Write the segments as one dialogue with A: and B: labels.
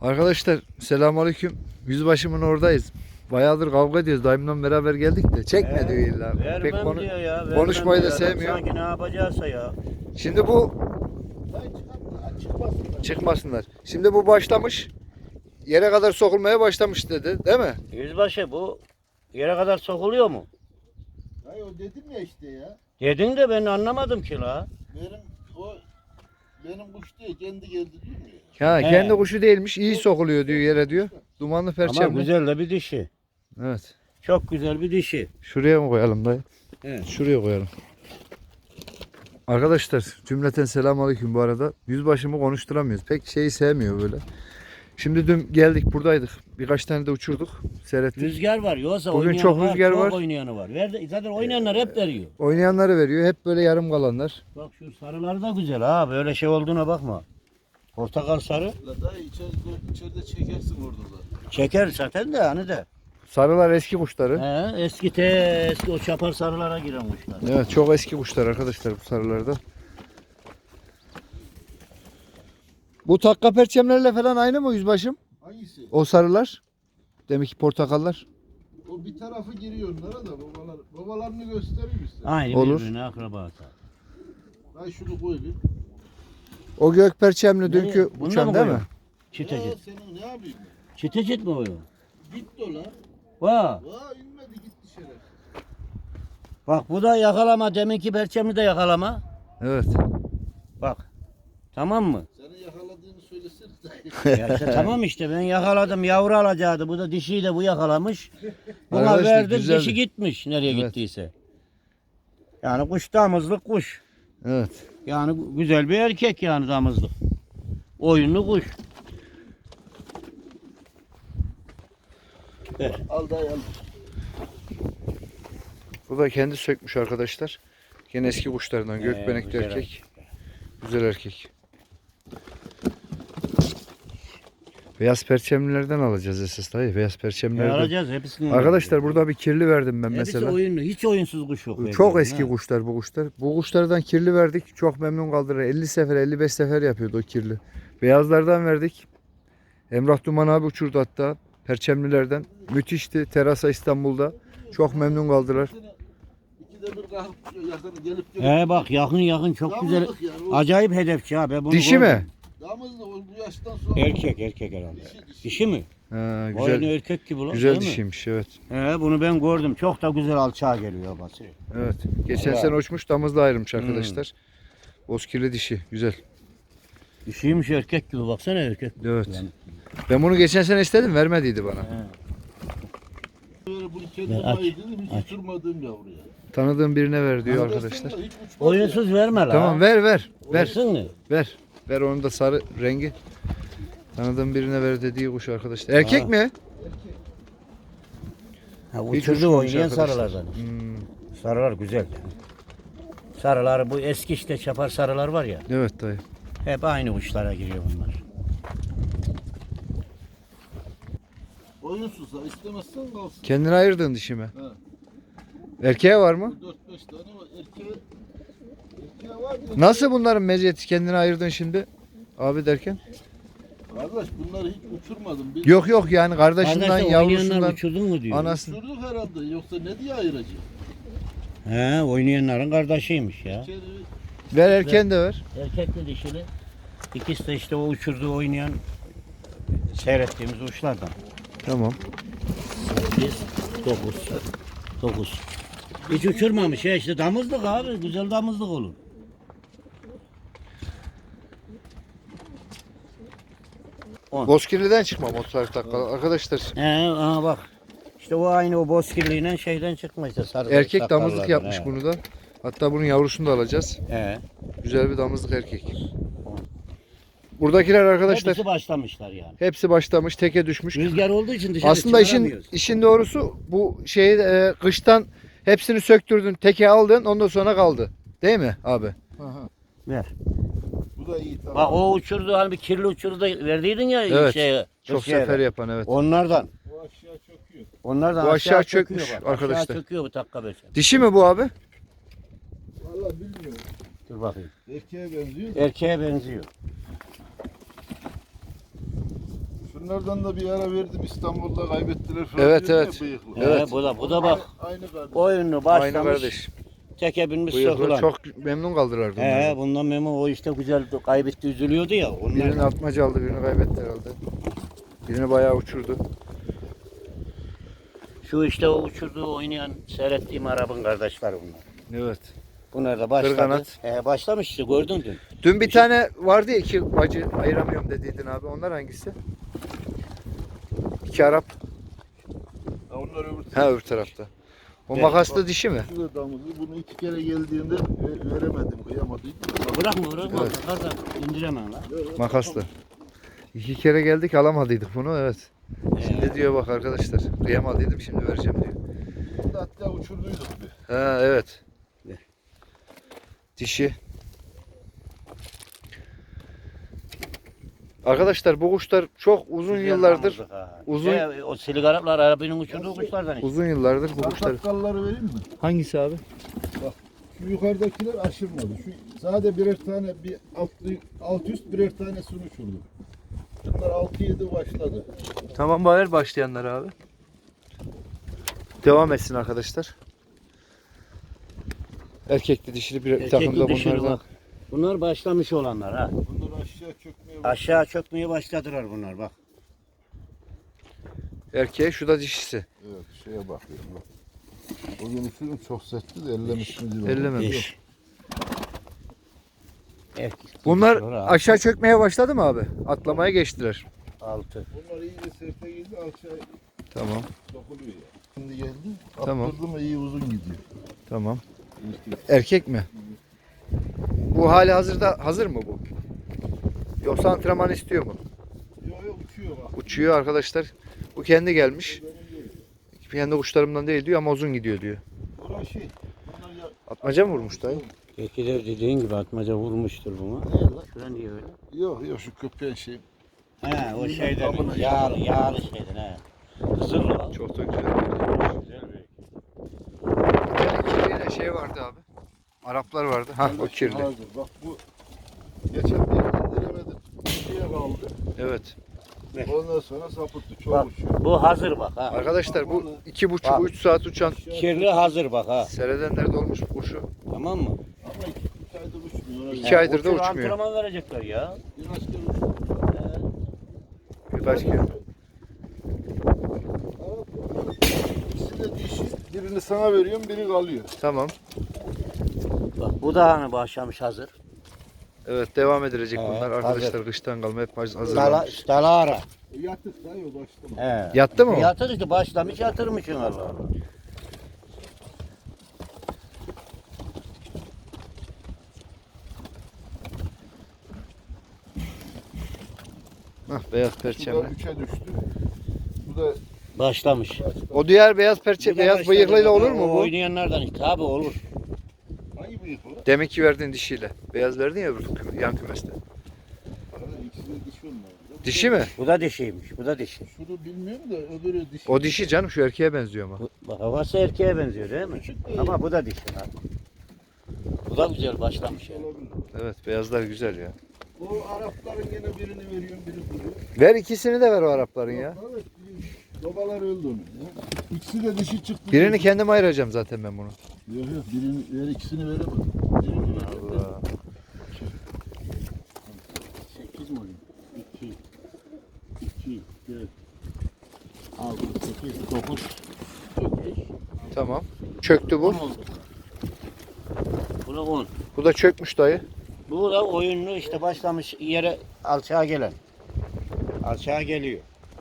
A: Arkadaşlar selamünaleyküm. Yüzbaşımın oradayız. Bayağıdır kavga ediyoruz. Dayımla beraber geldik de çekme diyor illa. Pek
B: diyor ya,
A: konuşmayı da
B: diyor.
A: sevmiyor.
B: Sanki ne yapacaksa ya.
A: Şimdi bu çıkmasınlar. Şimdi bu başlamış. Yere kadar sokulmaya başlamış dedi, değil mi?
B: Yüzbaşı bu yere kadar sokuluyor mu?
C: Hayır o dedim ya işte ya.
B: Dedin de ben anlamadım ki la.
C: Benim kuş değil kendi geldi diyor mu ya?
A: Ha,
B: He.
A: kendi kuşu değilmiş. İyi sokuluyor diyor yere diyor. Dumanlı
B: Ama
A: perçemli.
B: güzel de bir dişi.
A: Evet.
B: Çok güzel bir dişi.
A: Şuraya mı koyalım dayı?
B: Evet.
A: Şuraya koyalım. Arkadaşlar cümleten selamünaleyküm bu arada. Yüzbaşımı konuşturamıyoruz. Pek şeyi sevmiyor böyle. Şimdi dün geldik buradaydık. Birkaç tane de uçurduk. Seyrettik.
B: Rüzgar var yoksa
A: Bugün
B: oynayanı
A: çok
B: var,
A: rüzgar
B: çok
A: var.
B: oynayanı var. Zaten oynayanlar hep veriyor.
A: Oynayanları veriyor. Hep böyle yarım kalanlar.
B: Bak şu sarılar da güzel ha. Böyle şey olduğuna bakma. Portakal sarı.
C: La dayı içeride çekersin orada da.
B: Çeker zaten de hani de.
A: Sarılar eski kuşları.
B: Eski o çapar sarılara giren kuşlar.
A: Evet, çok eski kuşlar arkadaşlar bu sarılarda. Bu takka perçemlerle falan aynı mı yüzbaşım?
C: Hangisi?
A: O sarılar. Demek ki portakallar.
C: O bir tarafı giriyor onlara da babalarını göstereyim size.
B: Aynı
A: Olur.
B: birbirine akrabası.
C: Dayı şunu koy bir.
A: O gök perçemli dünkü
B: Nereye? Bunda
A: uçan
B: mı
A: değil mi?
B: koyuyorsun? Çite
C: Ya
B: çit.
C: senin ne yapayım ben?
B: Çite çit mi o?
C: Gitti o la.
B: Vah.
C: Vaa inmedi gitti şeref.
B: Bak bu da yakalama. Deminki perçemi de yakalama.
A: Evet.
B: Bak. Tamam mı?
C: Senin yakaladığını söylesene dayı.
B: Ya işte tamam işte ben yakaladım. Yavru alacaktı. Bu da dişiyi de bu yakalamış. Buna
A: Arkadaşlar,
B: verdim.
A: güzeldi.
B: Dişi gitmiş nereye
A: Evet.
B: gittiyse. Yani kuş damızlık kuş.
A: Evet.
B: Yani güzel bir erkek yani damızlık. Oyunlu kuş. Ver.
C: Al dayı al.
A: Bu da kendi sökmüş arkadaşlar. Gene eski kuşlarından gökbenekli
B: güzel
A: erkek. Güzel erkek. Beyaz perçemlilerden alacağız esas dayı. Beyaz perçemlilerden.
B: Alacağız hepsini.
A: Arkadaşlar burada bir kirli verdim ben
B: Hepsi
A: mesela.
B: oyunlu. Hiç oyunsuz kuş yok.
A: Çok
B: belki,
A: eski
B: ha.
A: kuşlar bu kuşlar. Bu kuşlardan kirli verdik. Çok memnun kaldılar. 50 sefer 55 sefer yapıyordu o kirli. Beyazlardan verdik. Emrah Duman abi uçurdu hatta. Perçemlilerden. Müthişti. Terasa İstanbul'da. Çok memnun kaldılar.
C: İkide bir kalkıp yakın gelip
B: He bak yakın çok güzel.
C: Damızlık yani, o
B: Acayip hedefçi ha. Ben bunu
A: Dişi
B: gördüm.
A: mi?
C: damızlık o bu yaştan sonra.
B: Erkek herhalde. Dişi mi?
A: Ha,
B: Güzel.
A: güzel.
B: Erkek gibi lan.
A: Güzel
B: değil mi?
A: dişiymiş evet.
B: He bunu ben gördüm. Çok da güzel alçağa geliyor babası.
A: Evet. Geçen
B: Vallahi.
A: sene uçmuş damızla ayrılmış arkadaşlar. Bozkirli dişi. Güzel.
B: Dişiymiş erkek gibi baksana erkek. gibi.
A: Evet.
B: Yani.
A: Ben bunu geçen sene istedim. Vermediydi bana.
C: Böyle bunu
B: Ver,
C: kendim
B: aç,
C: ayırdım
B: aç.
C: hiç uçurmadığım yavruya.
A: Tanıdığım birine ver diyor
C: Arkadaşlar
A: arkadaşlar.
C: da hiç uçmadı ya.
B: Oyunsuz verme la.
A: Tamam ver. Ver.
B: Versin mi?
A: Ver. Ver onun da sarı rengi. Tanıdığım birine ver dediği kuş arkadaşlar. Erkek
B: Ha.
A: mi?
B: Ha,
A: Hiç
B: uçurdu
A: uçmamış
B: oynayan
A: arkadaşlar.
B: sarılardan.
A: Hmm,
B: Sarılar güzel. Sarılar bu eski işte çapar sarılar var ya.
A: evet dayı.
B: Hep aynı uçlara giriyor bunlar.
C: Oyunsuz ha istemezsen kalsın.
A: Kendine ayırdığın dişi mi?
C: Ha.
A: Erkeğe var mı?
C: 4-5 tane var. Erkeğe var diyor.
A: Nasıl bunların meziyeti kendine ayırdın şimdi? Abi derken?
C: Kardeş bunları hiç uçurmadım. Bir
A: Yok yani kardeşinden,
B: Kardeşler oynayanlar
A: yavrusundan,
B: uçurdun mu diyor.
A: anası.
C: uçurduk herhalde yoksa ne diye ayıracak?
B: He oynayanların kardeşiymiş ya.
C: İçeri
A: Ver erken de ver.
B: Erkekli dişili. İkisi de işte o uçurduğu oynayan seyrettiğimiz uçlardan.
A: Tamam.
B: 8, 9. Hiç uçurmamış ya işte damızlık abi. Güzel damızlık olur.
A: Bozkirli'den çıkma motor takkalı. Arkadaşlar
B: He aha bak. İşte o aynı o bozkirliğiyle şeyden çıkma işte sarı
A: erkek
B: sakallardan,
A: damızlık yapmış
B: he.
A: bunu da. Hatta bunun yavrusunu da alacağız.
B: He.
A: Güzel bir damızlık erkek. Buradakiler arkadaşlar
B: Hepsi başlamışlar yani.
A: hepsi başlamış, teke düşmüş.
B: Rüzgar olduğu için dışarı
A: Aslında
B: çıkaramıyoruz.
A: işin doğrusu bu şeyi kıştan hepsini söktürdün, teke aldın, ondan sonra kaldı. Değil mi abi?
B: Ver.
C: bu da iyi tamam.
B: Bak o uçurdu hani bir kirli uçurdu da verdiydin ya
A: Evet,
B: şeye.
A: Çok
B: Kırşehir'e.
A: sefer yapan evet.
B: Onlardan.
C: Bu aşağı çöküyor.
B: Onlardan
A: Bu aşağı
B: çöküyor
A: çökmüş
B: bak.
A: arkadaşlar.
B: Aşağı çöküyor bu takka beşe.
A: Dişi mi bu abi?
C: Valla bilmiyorum.
B: Dur bakayım.
C: Erkeğe benziyor.
B: Erkeğe benziyor.
C: Şunu Şunlardan da bir ara verdim, İstanbul'da kaybettiler falan.
A: Evet,
C: diyor ya,
A: evet.
C: bıyıklı.
A: Evet.
B: Bu da bak.
C: Aynı kardeş.
B: Oyunu
A: Aynı
B: başlamış.
A: kardeş.
B: Teke binmiş
A: Bıyıklı
B: sıkılan.
A: çok memnun kaldılar onlardan.
B: Bundan memnun, o işte güzel kaybetti, üzülüyordu ya. Onlar
A: Birini atmaca aldı, birini kaybetti herhalde. Birini bayağı uçurdu.
B: şu işte o uçurduğu oynayan seyrettiğim Arap'ın kardeşleri bunlar.
A: Evet.
B: Bunlar da başladı.
A: Kırganat.
B: Başlamış işte, gördün dün.
A: Dün bir tane vardı ya, iki bacı ayıramıyorum dediydin abi. Onlar hangisi? İki Arap.
C: Ha, onlar öbür
A: Ha, öbür tarafta. O
B: Evet.
A: makaslı dişi mi?
C: Şu da damızlı. Bunu 2 kere geldiğinde veremedim, kıyamadım.
B: Bırakma.
A: Evet.
B: Fazla indiremem lan.
A: Makaslı. İki kere geldik alamadıydık bunu, evet. Şimdi diyor bak arkadaşlar, kıyamadıydım şimdi vereceğim diyor.
C: Bunu da hatta uçurduyduk bir.
A: Ha, evet.
B: Ver.
A: Dişi. Arkadaşlar bu kuşlar çok uzun
B: Güzel
A: yıllardır,
B: damızlık ha.
A: uzun-
B: O silik Araplar Arap'ın uçurduğu kuşlardan işte.
A: uzun yıllardır bu kuşlar.
C: Sartakkalları vereyim mi?
A: Hangisi abi?
C: Şu yukarıdakiler aşırmadı. Şu sade birer tane, bir alt üst birer tanesini uçurdu. Bunlar 6-7 başladı.
A: Tamam, bayır başlayanlar abi. Devam etsin arkadaşlar. Erkekli dişili bir takımda
B: Erkekli dişili
A: bunlardan.
B: bak. Bunlar başlamış olanlar ha.
C: Bunlar aşağı çökmeye başladı.
B: Aşağı çökmeye başladılar bunlar bak.
A: Erkeği, şu da dişisi.
C: Evet, şeye bakıyorum bak. Bugün üfürüm çok sertti de ellemiş mi diyor.
A: Ellememiş.
B: Beş. Erkek.
A: Bunlar
B: Sonra
A: aşağı çökmeye başladı mı abi? Atlamaya geçtiler.
B: 6.
C: Bunlar iyice serte girdi, aşağı
A: Tamam.
C: dokuluyor ya. Şimdi geldi,
A: Tamam.
C: attırdı mı iyi uzun gidiyor.
A: Tamam.
C: İlk-
A: Erkek mi? Bu hali hazırda hazır mı bu? Yoksa antrenman istiyor mu?
C: Yo uçuyor bak.
A: Uçuyor arkadaşlar. Bu kendi gelmiş. Kendi kuşlarımdan değil diyor ama uzun gidiyor diyor.
C: Bunlar şey, bunlar ya...
A: Atmaca mı vurmuş dayı?
B: Ekiler dediğin gibi atmaca vurmuştur bunu.
C: Ne lan?
B: Şuran diye öyle.
C: Yok şu köpeğin şey.
B: He o şeyden
C: Amına
B: yağlı şeyden he. Kızıl o.
A: Çok da güzel.
B: Güzel bir.
A: Kirliyle şey vardı abi. Araplar vardı. Ha o kirli.
C: Hazır. Bak bu geçen bir indiremedim. İkiye kaldı.
A: Evet.
C: Ondan sonra sapıttı. Çok
B: Bak
C: uçuyor.
B: bu hazır bak ha.
A: Arkadaşlar bu
B: Bak.
A: 2,5-3 saat uçan
B: Kirli hazır bak ha.
A: seyredenler de olmuş bu kuşu.
B: Tamam mı?
C: Ama 2 aydır uçmuyor.
A: 2 aydır da
B: Uçur,
A: uçmuyor.
B: Antrenman verecekler ya.
C: Birkaç kere uçuyor.
A: Birkaç kere.
C: İkisi de dişi. Birini sana veriyorum, biri kalıyor.
A: Tamam.
B: Bak bu da hani başlamış hazır.
A: Evet, devam edilecek
B: Evet,
A: bunlar.
B: hazır.
A: Arkadaşlar kıştan kalma hep hazırlanmış.
B: Dalara.
C: Yatık da yok başlama.
B: He.
A: Yattı mı o?
B: Yatır işte başlamış yatırmışsın Allah Allah.
A: Hah, beyaz
C: Bu da
A: perçemli.
C: 3'e düştü. Bu da
B: Başlamış.
A: O diğer beyaz perçe,
B: Bu da
A: beyaz
B: başladı.
A: bıyıklıyla
B: Bak,
A: olur
B: o
A: mu bu?
B: Oynayanlardan işte abi olur.
C: hangi bıyık o?
A: Demek ki verdiğin dişiyle. Beyaz verdin ya öbür yan kümeste.
C: İkisi de dişi onlar.
A: Dişi mi?
B: Bu da dişiymiş. Bu da dişi.
C: Şunu bilmiyorum da öbürü dişi.
A: O dişi canım, şu erkeğe benziyor ama.
B: Bak havası erkeğe benziyor değil mi?
C: Küçük değil.
B: Ama bu da dişi abi. Bu da güzel başlamış yani.
C: Olabilir.
A: Evet, beyazlar güzel ya.
C: O Arapların gene birini veriyorum, biri duruyor.
A: Ver ikisini de ver o Arapların ya.
C: Evet, babalar öldü onun. İkisi de dişi çıktı.
A: Birini kendim ayıracağım zaten ben bunu.
C: Yok birini ver, ikisini veremem. Birini ver.
A: Allah.
B: 8 mi oluyor? 2, 2, 4, 6, 8, 9, 5.
A: Tamam. Çöktü bu.
B: Bu da 10.
A: Bu da çökmüş dayı.
B: Bu da oyunlu işte başlamış yere alçağa gelen. Alçağa geliyor.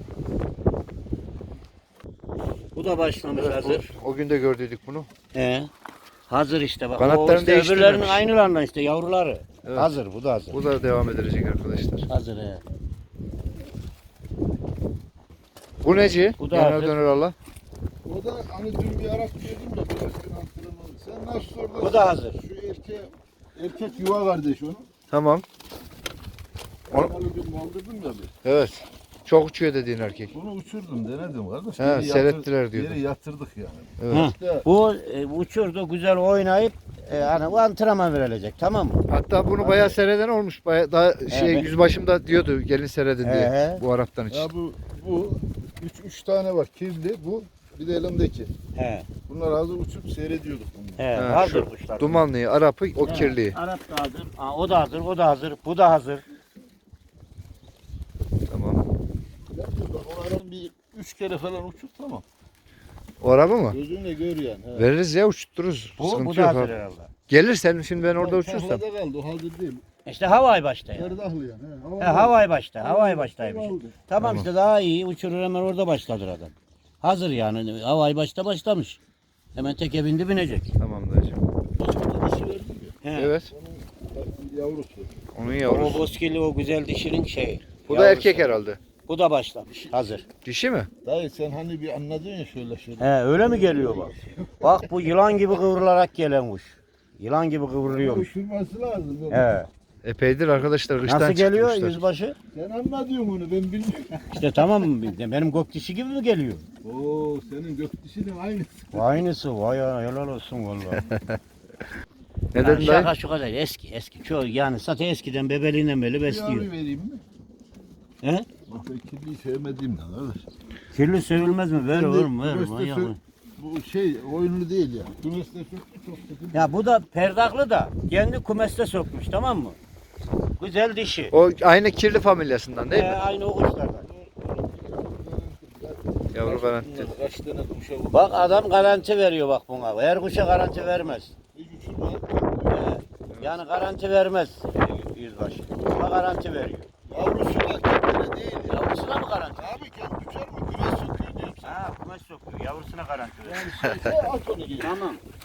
B: Bu da başlamış
A: Evet,
B: hazır.
A: o gün de gördüydük bunu.
B: Hazır işte bak.
A: Kanatlarını
B: O işte
A: değiştirmemiş.
B: öbürlerinin aynılarından işte yavruları.
A: Evet.
B: Hazır bu da hazır.
A: Bu da devam edilecek arkadaşlar.
B: Hazır he.
A: Bu neci?
B: Bu da
A: Yanar
B: hazır.
A: döner Allah.
C: O da hani dün bir Arap dedim ya, biraz gün antrenmanı. Sen nasıl sordun?
B: Bu da hazır.
C: Şu erkek yuva kardeş onun.
A: Tamam. Onu-
C: Onu dün kaldırdım ya bir.
A: Evet. Çok uçuyor dediğin erkek.
C: Bunu uçurdum, denedim kardeş.
A: He,
C: Geri
A: seyrettiler diyordu.
C: Geri yatırdık yani.
A: Evet.
B: Ha,
C: İşte
B: bu uçurdu güzel oynayıp hani bu antrenman verilecek tamam mı?
A: Hatta bunu bayağı seyreden olmuş. Bayağı daha
B: Evet.
A: yüzbaşımda diyordu gelin seyredin diye
B: He.
A: bu Arap'tan için.
C: ya bu üç tane var kirli, bu bir de elimdeki.
B: He.
C: Bunlar hazır uçup seyrediyorduk bunu.
B: He.
A: Ha,
B: Hazır
A: şu
B: kuşlar.
A: Dumanlıyı, Arap'ı, o
B: He,
A: kirliyi.
B: Arap da hazır. Ha, o da hazır, o da hazır, bu da hazır.
A: Tamam.
C: Onların bir 3 kere falan uçur, tamam.
A: O Arap'ı mı?
C: Gözünle gör yani. He.
A: Veririz ya, uçtururuz.
B: Bu
A: Sıkıntı
B: da
A: yok
B: hazır
A: abi.
B: herhalde.
A: Gelir sen şimdi ben orada uçursam.
C: Tahlada kaldı, o hazır değil.
B: İşte havay başta ya.
C: Erdahlı yani.
B: He, havay başta, havay baştaymış.
C: Aldı.
B: Tamam işte daha iyi uçurur hemen orada başladır adam. Hazır yani havay başta başlamış. Hemen teke bindi binecek.
A: Tamam dayıcım.
C: Dişi verdim ya.
B: He.
A: Evet.
C: Yavrusu.
A: Onun
B: O
A: yavrusu.
B: bozkirli o güzel dişinin şeyi.
A: Bu da erkek herhalde.
B: Bu da başlamış. Hazır.
A: Dişi mi?
C: Dayı sen hani bir anladın ya şöyle.
B: He öyle mi geliyor bak? Bak bu yılan gibi kıvrılarak gelen kuş. Yılan gibi kıvrılıyormuş.
C: Uçurması lazım.
B: He.
A: Epeydir arkadaşlar. Kıştan
B: Nasıl geliyor
A: çıkmışlar.
B: yüzbaşı?
C: Sen anladın onu, ben bilmiyorum.
B: İşte tamam benim gök dişi gibi mi geliyor?
C: Oo, senin gök dişinin aynısı.
B: Aynısı vay ya helal olsun vallahi.
A: Ne
B: Yani
A: dedin dayı?
B: şaka şu kadar eski. Çok yani zaten eskiden bebeliğinden beri
C: Bir
B: besliyor.
C: yavru vereyim mi?
B: He?
C: Bak ben kirliyi sevmediğimden kardeş.
B: Kirli sevilmez mi? Ver
C: Şimdi
B: oğlum ver.
C: kümeste
B: manyak
C: sö-
B: mı?
C: Bu şey oyunlu değil ya. Kümeste söktü çok sıkıntı.
B: Ya bu da perdaklı da kendi kumeste sokmuş tamam mı? Güzel dişi.
A: O aynı kirli familyasından değil mi?
B: Aynı o kuşlardan.
A: Yavru garanti.
C: Kaç tane kuşa vurdu.
B: Bak adam garanti veriyor bak buna. Her kuşa garanti vermez.
C: Hiç uçurma.
B: Yani garanti vermez yüzbaşı. Buna garanti veriyor.
C: Yavrusu da kendine değil ya.
B: Yavrusuna mı garanti?
C: Abi kendi uçar mı? Kümes sokuyor diyorum sana.
B: Ha kumaş sokuyor. Yavrusuna garanti veriyor.
C: Yani şey at onu gibi.
B: Tamam.